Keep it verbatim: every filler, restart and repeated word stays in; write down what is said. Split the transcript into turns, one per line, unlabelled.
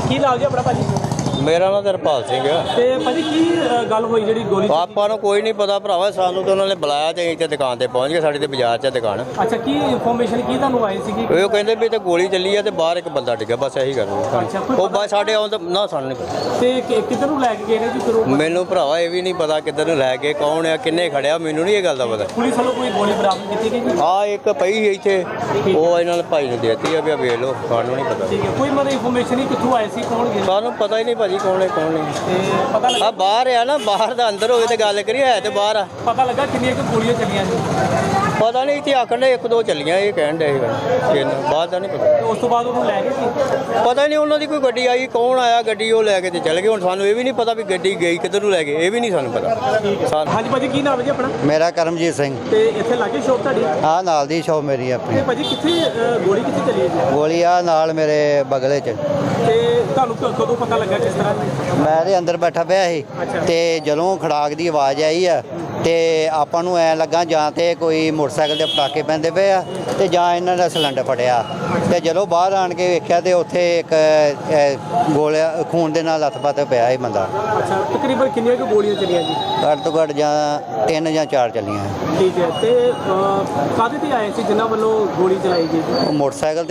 ਕੀ ਨਾਮ ਜੀ ਆਪਣਾ ਭਾਜੀ?
ਮੇਰਾ ਨਾਮ ਹਰਪਾਲ ਸਿੰਘ ਆ।
ਤੇ ਭਾਜੀ ਕੀ ਅ, ਗੱਲ ਹੋਈ ਜਿਹੜੀ ਗੋਲੀ ਚੱਲੀ?
ਆਪਾਂ ਨੂੰ ਕੋਈ ਨਹੀਂ ਪਤਾ ਭਰਾਵਾ, ਸਾਨੂੰ ਤਾਂ ਉਹਨਾਂ ਨੇ ਬੁਲਾਇਆ ਤੇ ਅਸੀਂ ਤੇ ਦੁਕਾਨ ਤੇ ਪਹੁੰਚ ਗਏ। ਸਾਡੀ ਤੇ ਬਾਜ਼ਾਰ 'ਚ ਦੁਕਾਨ।
ਅੱਛਾ, ਕੀ ਇਨਫੋਰਮੇਸ਼ਨ ਕੀ ਤੁਹਾਨੂੰ ਆਈ ਸੀਗੀ?
ਉਹ ਕਹਿੰਦੇ ਵੀ ਤੇ ਗੋਲੀ ਚੱਲੀ ਆ ਤੇ ਬਾਹਰ ਇੱਕ ਬੰਦਾ ਡਿੱਗਾ, ਬਸ ਇਹੀ ਗੱਲ ਹੋਈ।
ਅੱਛਾ, ਕੋਈ
ਉਹ ਬਸ ਸਾਡੇ ਆਉਣ ਦਾ ਨਾ ਸਾਨੂੰ ਨਹੀਂ ਪਤਾ।
ਤੇ ਕਿ- ਕਿੱਧਰ ਨੂੰ ਲੈ ਕੇ ਗਏ ਨੇ ਜੀ ਫਿਰ ਉਹ?
ਮੈਨੂੰ ਭਰਾਵਾ ਇਹ ਵੀ ਨਹੀਂ ਪਤਾ ਕਿੱਧਰ ਨੂੰ ਲੈ ਕੇ, ਕੌਣ ਆ, ਕਿੰਨੇ ਖੜਿਆ, ਮੈਨੂੰ ਨਹੀਂ ਇਹ ਗੱਲ ਦਾ ਪਤਾ।
ਪੁਲਿਸ ਵੱਲੋਂ ਕੋਈ ਗੋਲੀ ਬਰਾਮਦ ਕੀਤੀ ਗਈ ਜੀ?
ਆ ਇੱਕ ਪਈ ਸੀ ਇੱਥੇ, ਉਹ ਇਹਨਾਂ ਨੇ ਭਾਈ ਨੂੰ ਦੇਤੀ ਆ ਵੀ ਆ ਵੇਖ ਲਓ, ਸਾਨੂੰ ਨਹੀਂ ਪਤਾ।
ਠੀਕ ਹੈ, ਕੋਈ ਮਤਲਬ ਇਨਫੋਰਮੇਸ਼ਨ ਹੀ ਕਿੱਥੋਂ ਆਈ ਸੀ, ਕੌਣ ਗਿਆ?
ਸਾਨੂੰ ਪਤਾ ਹੀ ਨਹੀਂ ਭਾਜੀ ਕੌਣ ਹੈ ਕੌਣ ਨਹੀਂ।
ਤੇ ਪਤਾ ਲੱਗਾ
ਆ ਬਾਹਰ ਆ ਨਾ, ਬਾਹਰ ਦਾ ਅੰਦਰ ਹੋਵੇ ਤੇ ਗੱਲ ਕਰੀਏ, ਹੈ ਤੇ ਬਾਹਰ ਆ।
ਪਤਾ ਲੱਗਾ ਕਿੰਨੀਆਂ ਕੁ ਗੋਲੀਆਂ ਚੱਲੀਆਂ ਜੀ?
ਪਤਾ ਨਹੀਂ, ਇੱਥੇ ਆਖਣ ਦੇ ਇੱਕ ਦੋ ਚੱਲੀਆਂ, ਇਹ ਕਹਿਣ ਦੇ ਸੀ। ਬਾਹਰ ਦਾ ਨਹੀਂ ਪਤਾ।
ਤੇ ਉਸ ਤੋਂ ਬਾਅਦ ਉਹਨੂੰ ਲੈ ਗਏ ਸੀ?
ਪਤਾ ਨਹੀਂ ਉਹਨਾਂ ਦੀ ਕੋਈ ਗੱਡੀ ਆਈ, ਕੌਣ ਆਇਆ ਗੱਡੀ ਉਹ ਲੈ ਕੇ ਤੇ ਚਲੇ ਗਏ। ਹੁਣ ਸਾਨੂੰ ਇਹ ਵੀ ਨਹੀਂ ਪਤਾ ਵੀ ਗੱਡੀ ਗਈ ਕਿੱਧਰ ਨੂੰ ਲੈ ਗਏ, ਇਹ ਵੀ ਨਹੀਂ ਸਾਨੂੰ ਪਤਾ। ਸਾਨੂੰ
ਹਾਂਜੀ ਭਾਜੀ, ਕੀ ਨਾਮ ਹੈ ਜੀ ਆਪਣਾ?
ਮੇਰਾ ਕਰਮਜੀਤ ਸਿੰਘ।
ਤੇ ਇੱਥੇ ਲਾਗੇ ਸ਼ੋਪ ਤੁਹਾਡੀ?
ਆ ਨਾਲ ਦੀ ਸ਼ੌਪ ਮੇਰੀ ਆਪਣੀ।
ਤੇ ਭਾਜੀ ਕਿੱਥੇ ਅ, ਗੋਲੀ ਕਿੱਥੇ ਚੱਲੀ ਹੈ ਜੀ?
ਗੋਲੀ ਆ ਨਾਲ ਮੇਰੇ ਬਗਲੇ 'ਚ।
ਤੇ ਤੁਹਾਨੂੰ ਕ- ਕਦੋਂ ਪਤਾ ਲੱਗਾ, ਕਿਸ ਤਰ੍ਹਾਂ?
ਮੈਂ ਦੇ ਅੰਦਰ ਬੈਠਾ ਪਿਆ ਸੀ
ਅੱਛਾ।
ਤੇ ਜਦੋਂ ਖੜਾਕ ਦੀ ਆਵਾਜ਼ ਆਈ ਆ ਤੇ ਆਪਾਂ ਨੂੰ ਐ ਲੱਗਾ ਜਾਂ ਤੇ ਕੋਈ ਮੋਟਰਸਾਈਕਲ ਦੇ ਪਟਾਕੇ ਪੈਂਦੇ ਪਏ ਆ ਤੇ ਜਾਂ ਇਹਨਾਂ ਦਾ ਸਿਲੰਡਰ ਫਟਿਆ। ਤੇ ਜਦੋਂ ਬਾਹਰ ਆਣ ਕੇ ਵੇਖਿਆ ਤੇ ਉੱਥੇ ਇੱਕ ਅ, ਗੋਲਿਆ ਖੂਨ ਦੇ ਨਾਲ ਲੱਥ-ਪੱਥ ਪਿਆ ਸੀ ਬੰਦਾ।
ਅੱਛਾ, ਤਕਰੀਬਨ ਕਿੰਨੀਆਂ ਕੁ ਗੋਲੀਆਂ ਚੱਲੀਆਂ ਜੀ?
ਘੱਟ ਤੋਂ ਘੱਟ ਜਾਂ ਤਿੰਨ ਜਾਂ ਚਾਰ ਚੱਲੀਆਂ।
ਠੀਕ ਹੈ, ਤੇ ਅ, ਕਾਹਦੇ ਤੇ ਆਏ ਸੀ ਜਿਨ੍ਹਾਂ ਵੱਲੋਂ ਗੋਲੀ ਚਲਾਈ ਗਈ?
ਉਹ ਮੋਟਰਸਾਈਕਲ